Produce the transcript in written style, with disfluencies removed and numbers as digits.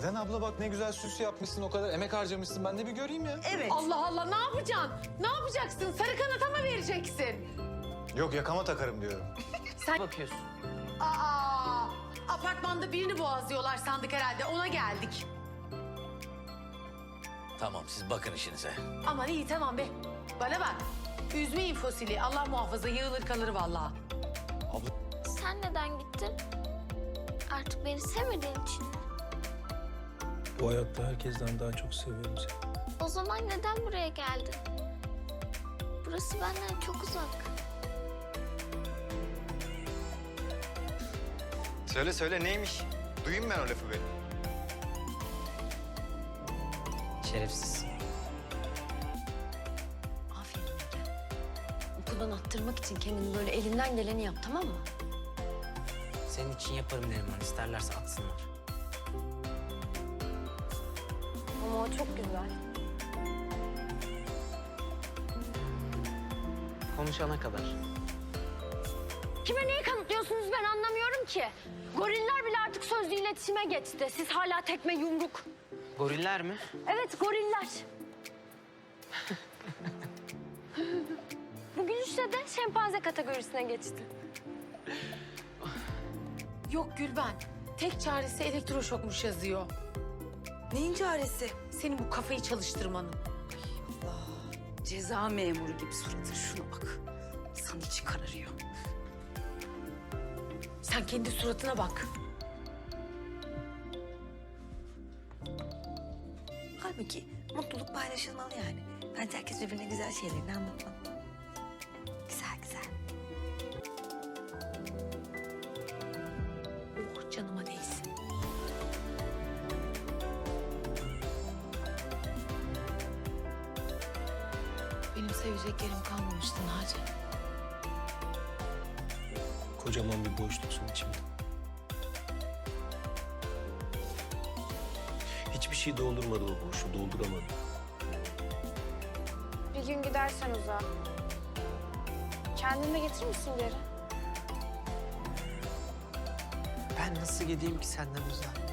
Neden abla, bak ne güzel süs yapmışsın, o kadar emek harcamışsın. Ben de bir göreyim ya. Evet. Allah Allah, ne yapacaksın? Ne yapacaksın? Sarı kanata mı vereceksin? Yok, yakama takarım diyorum. Sen bakıyorsun. Aa, apartmanda birini boğazlıyorlar sandık herhalde. Ona geldik. Tamam, siz bakın işinize. Aman iyi, tamam be. Bana bak. Üzmeyin fosili. Allah muhafaza, yığılır kalır vallahi. Sen neden gittin? Artık beni sevmediğin için mi? Bu hayatta herkesten daha çok seviyorum seni. O zaman neden buraya geldin? Burası benden çok uzak. Söyle neymiş? Duyayım ben o lafı be. Şerefsiz. Aferin Ege. Okuldan attırmak için kendini böyle elinden geleni yap, tamam mı? Senin için yaparım Neriman. İsterlerse atsınlar. Ama o çok güzel. Konuşana kadar. Kime neyi kanıtlıyorsunuz ben anlamıyorum ki. Goriller bile artık sözlü iletişime geçti. Siz hala tekme yumruk. Goriller mi? Evet, goriller. Bu gülüşle de şempanze kategorisine geçti. Yok Gülben. Tek çaresi elektroşokmuş yazıyor. Neyin çaresi? Senin bu kafayı çalıştırmanın. Ceza memuru gibi suratın, şuna bak. İnsan içi kararıyor. Sen kendi suratına bak. Halbuki mutluluk paylaşılmalı yani. Bence herkes birbirine güzel şeylerini anlatmalı. Güzel güzel. Oh, canıma değsin. Benim seveceklerim kalmamıştı Naci. Kocaman bir boşluksun içimde. Hiçbir şey doldurmadı o boşluğu, dolduramadı. Bir gün gidersen uzağa. Kendini de getirir misin geri? Ben nasıl gideyim ki senden uzağa?